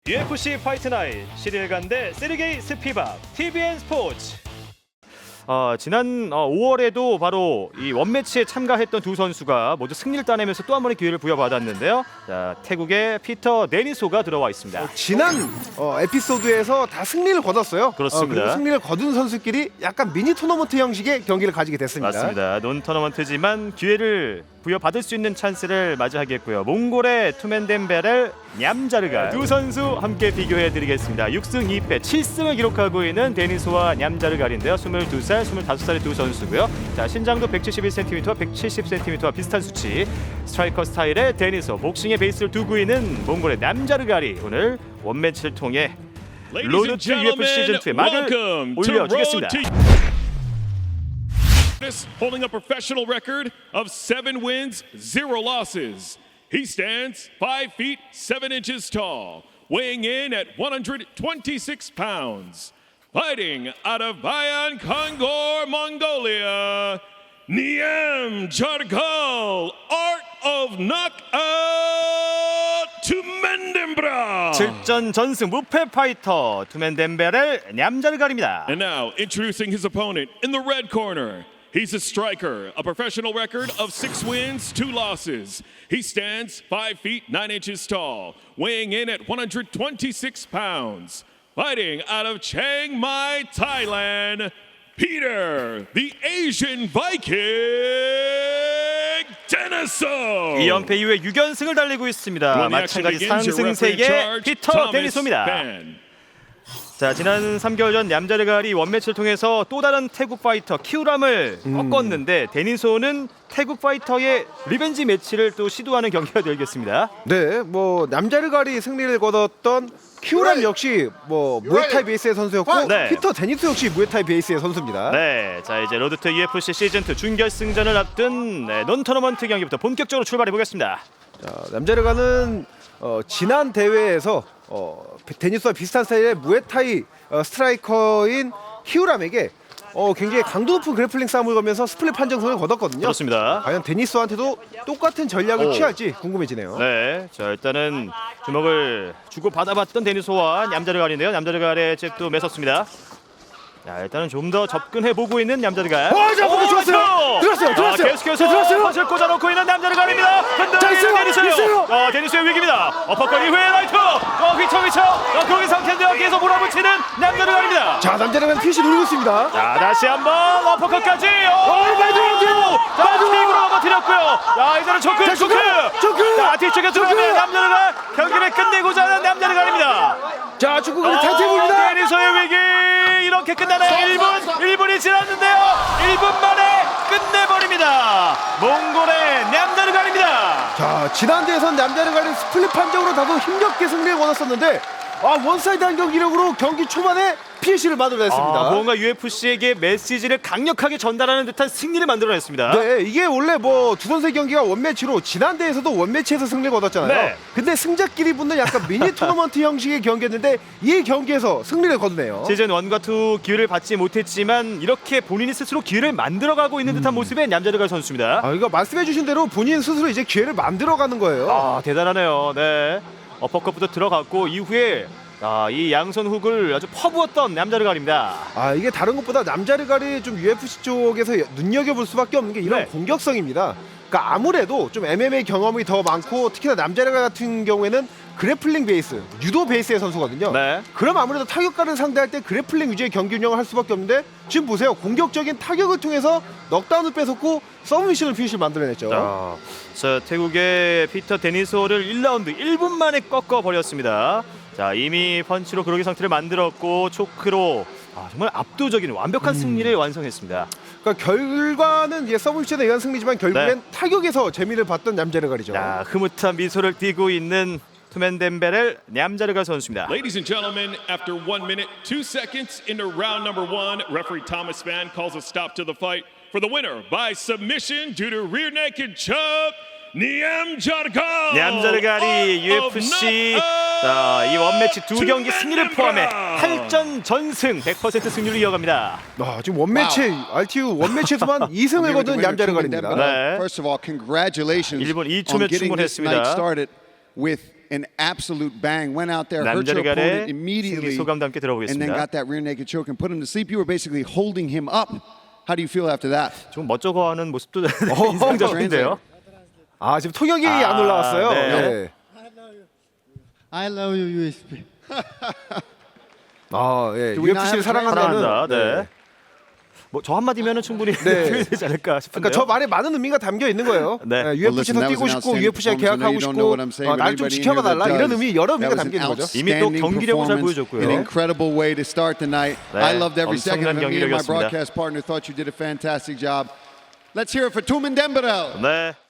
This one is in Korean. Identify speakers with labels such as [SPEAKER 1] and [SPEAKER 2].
[SPEAKER 1] UFC 파이트 나잇 11간대 세르게이 스피박 TVN 스포츠. 지난 5월에도 바로 이 원매치에 참가했던 두 선수가 모두 승리를 따내면서 또 한 번의 기회를 부여받았는데요. 자, 태국의 피터 데니소가 들어와 있습니다.
[SPEAKER 2] 지난 에피소드에서 다 승리를 거뒀어요.
[SPEAKER 1] 그렇습니다.
[SPEAKER 2] 그리고 승리를 거둔 선수끼리 약간 미니 토너먼트 형식의 경기를 가지게 됐습니다.
[SPEAKER 1] 맞습니다. 논 토너먼트지만 기회를 부여받을 수 있는 찬스를 맞이하겠고요. 몽골의 투맨덴베렐 냠자르가 두 선수 함께 비교해드리겠습니다. 6승 2패 7승을 기록하고 있는 데니소와 냠자르갈인데요. 22살, 25살의 두 선수고요. 자, 신장도 171cm와 170cm와 비슷한 수치. 스트라이커 스타일의 데니소, 복싱의 베이스를 두고 있는 몽골의 냠자르갈이 오늘 원매치를 통해 로드 투 UFC 시즌2의 막을 올려주겠습니다.
[SPEAKER 3] Holding a professional record of 7 wins, 0 losses. He stands 5 feet 7 inches tall, weighing in at 126 pounds. Fighting out of Bayan Kongor, Mongolia, Niem Jargal, Art of Knockout to Mendembra.
[SPEAKER 1] 7전 전승 무패 파이터 투맨덴베렐 냠자르갈입니다.
[SPEAKER 3] And now, introducing his opponent in the red corner. He's a striker, a professional record of 6 wins, 2 losses. He stands 5 feet 9 inches tall, weighing in at 126 pounds. Fighting out of Chiang Mai, Thailand, Peter, the Asian Viking Deniso.
[SPEAKER 1] 2연패 이후에 6연승을 달리고 있습니다. 마찬가지 상승세계 피터 데니소입니다. 자, 지난 3개월 전 냠자르갈이 원매치를 통해서 또 다른 태국 파이터 키우람을 꺾었는데 데니소는 태국 파이터의 리벤지 매치를 또 시도하는 경기가 되겠습니다.
[SPEAKER 2] 네, 냠자르갈이 승리를 거뒀던 키우람 역시 무에타이 베이스의 선수였고
[SPEAKER 1] 네.
[SPEAKER 2] 피터 데니소 역시 무에타이 베이스의 선수입니다.
[SPEAKER 1] 네, 자 이제 로드 투 UFC 시즌2 준결승전을 앞둔 논 토너먼트 경기부터 본격적으로 출발해 보겠습니다.
[SPEAKER 2] 자, 냠자르갈은 지난 대회에서 데니스와 비슷한 스타일의 무에타이 스트라이커인 키우람에게 굉장히 강도 높은 그래플링 싸움을 거면서 스플릿 판정승을 거뒀거든요.
[SPEAKER 1] 그렇습니다.
[SPEAKER 2] 과연 데니스한테도 똑같은 전략을 취할지 궁금해지네요.
[SPEAKER 1] 네, 자 일단은 주먹을 주고 받아봤던 데니소와 냠자르갈인데요. 냠자르갈의 잽도 매섭습니다. 자, 일단은 좀 더 접근해 보고 있는 냠자르갈.
[SPEAKER 2] 자, 공격 좋았어요. 들었어요.
[SPEAKER 1] 계속해서
[SPEAKER 2] 들었어요.
[SPEAKER 1] 펀치를 꽂아놓고 있는 냠자르갈입니다. 흔들리는 데니소요. 데니소의 위기입니다. 어퍼컷 이후에 라이트. 휘쳐. 거기 상태인데요. 계속 몰아붙이는 냠자르갈입니다.
[SPEAKER 2] 자, 남자르갈 피시 누르고 있습니다.
[SPEAKER 1] 자, 다시 한번 어퍼컷까지. 자, 킥으로 넘어뜨렸고요. 자, 이제는 초크. 자, 뒤쪽에 들어가면 냠자르갈 경기를 끝내고자 하는 냠자르갈입니다.
[SPEAKER 2] 자, 축구가 탈퇴입니다.
[SPEAKER 1] 데니소의 위기 이렇게 끝나나요? 1분이 지났는데요. 1분 만에 끝내버립니다. 몽골의 냠자르갈입니다.
[SPEAKER 2] 자, 지난 대회에선 냠자르갈이 스플릿 판정으로 다소 힘겹게 승리를 거뒀었는데 원사이드한 경기력으로 경기 초반에 PC를 만들어냈습니다.
[SPEAKER 1] 뭔가 UFC에게 메시지를 강력하게 전달하는 듯한 승리를 만들어냈습니다.
[SPEAKER 2] 네, 이게 원래 두 선수의 경기가 원매치로 지난 대회에서도 원매치에서 승리를 거뒀잖아요.
[SPEAKER 1] 네.
[SPEAKER 2] 근데 승자끼리 붙는 약간 미니 토너먼트 형식의 경기였는데 이 경기에서 승리를 거두네요.
[SPEAKER 1] 시즌 1과 2 기회를 받지 못했지만 이렇게 본인이 스스로 기회를 만들어가고 있는 듯한 모습의 냠자르갈 선수입니다.
[SPEAKER 2] 이거 말씀해주신 대로 본인 스스로 이제 기회를 만들어가는 거예요.
[SPEAKER 1] 대단하네요. 네, 어퍼컷부터 들어갔고 이후에 이 양손 훅을 아주 퍼부었던 냠자르갈입니다.
[SPEAKER 2] 이게 다른 것보다 냠자르갈이 좀 UFC 쪽에서 눈여겨볼 수밖에 없는 게 이런 공격성입니다. 그러니까 아무래도 좀 MMA 경험이 더 많고 특히나 냠자르갈 같은 경우에는 그래플링 베이스, 유도 베이스의 선수거든요.
[SPEAKER 1] 네.
[SPEAKER 2] 그럼 아무래도 타격가를 상대할 때 그래플링 위주의 경기 운영을 할 수밖에 없는데 지금 보세요. 공격적인 타격을 통해서 넉다운을 뺏었고 서브미션을 피니시를 만들어냈죠.
[SPEAKER 1] 자, 태국의 피터 데니소를 1라운드 1분 만에 꺾어버렸습니다. 자, 이미 펀치로 그러기 상태를 만들었고 초크로 정말 압도적인 완벽한 승리를 완성했습니다.
[SPEAKER 2] 그러니까 결과는 이제 서브미션에 의한 승리지만 결국엔 타격에서 재미를 봤던 냠자르갈이죠.
[SPEAKER 1] 흐뭇한 미소를 띠고 있는 투맨덴베렐 냠자르갈 선수입니다.
[SPEAKER 3] Ladies and gentlemen, after 1 minute, 2 seconds into round number 1, referee Thomas Spann calls a stop to the fight for the winner by submission due to rear naked choke.
[SPEAKER 1] 냠자르갈이 UFC 이 원매치 2경기 승리를 포함해 8전 전승 100% 승률을 이어갑니다.
[SPEAKER 2] 지금 RTU 원매치에서만 2승을 거둔 냠자르갈입니다.
[SPEAKER 1] 네.
[SPEAKER 4] First of all, congratulations
[SPEAKER 1] 1분 2초면
[SPEAKER 4] on getting this
[SPEAKER 1] 충분했습니다.
[SPEAKER 4] night started with an absolute bang. Went out there, hurt your
[SPEAKER 1] 남자르갈의
[SPEAKER 4] opponent
[SPEAKER 1] 승리
[SPEAKER 4] immediately,
[SPEAKER 1] 소감도 함께
[SPEAKER 4] and then
[SPEAKER 1] 들어보겠습니다.
[SPEAKER 4] got that rear naked choke and put him to sleep. You were basically holding him up. How do you feel after that?
[SPEAKER 1] 좀 멋쩍어하는 모습도 인상적인데요.
[SPEAKER 2] 아 지금 통역이 안 올라왔어요.
[SPEAKER 1] 네.
[SPEAKER 2] 네.
[SPEAKER 5] I love you, USP.
[SPEAKER 2] 아 예.
[SPEAKER 4] Do we not
[SPEAKER 2] UFC를
[SPEAKER 4] have
[SPEAKER 2] 사랑한다는.
[SPEAKER 1] 사랑한다. 네. 뭐 저 한마디면은 충분히 표현되지 않을까 싶은데요.
[SPEAKER 2] 그러니까 저 말에 많은 의미가 담겨 있는 거예요.
[SPEAKER 1] 네.
[SPEAKER 2] UFC에서 뛰고 싶고 UFC에 계약하고 싶고 날 좀 지켜봐 달라 이런 의미 여러 의미가 담겨 있는 거죠.
[SPEAKER 1] 이미 또 경기력을 잘 보여줬고요.
[SPEAKER 4] An incredible way to start the night.
[SPEAKER 1] 네,
[SPEAKER 4] I loved every second of
[SPEAKER 1] 엄청난
[SPEAKER 4] it. Me and my
[SPEAKER 1] 경기력이었습니다.
[SPEAKER 4] broadcast partner thought you did a fantastic job. Let's hear it for Tumen Dembele.
[SPEAKER 1] 네.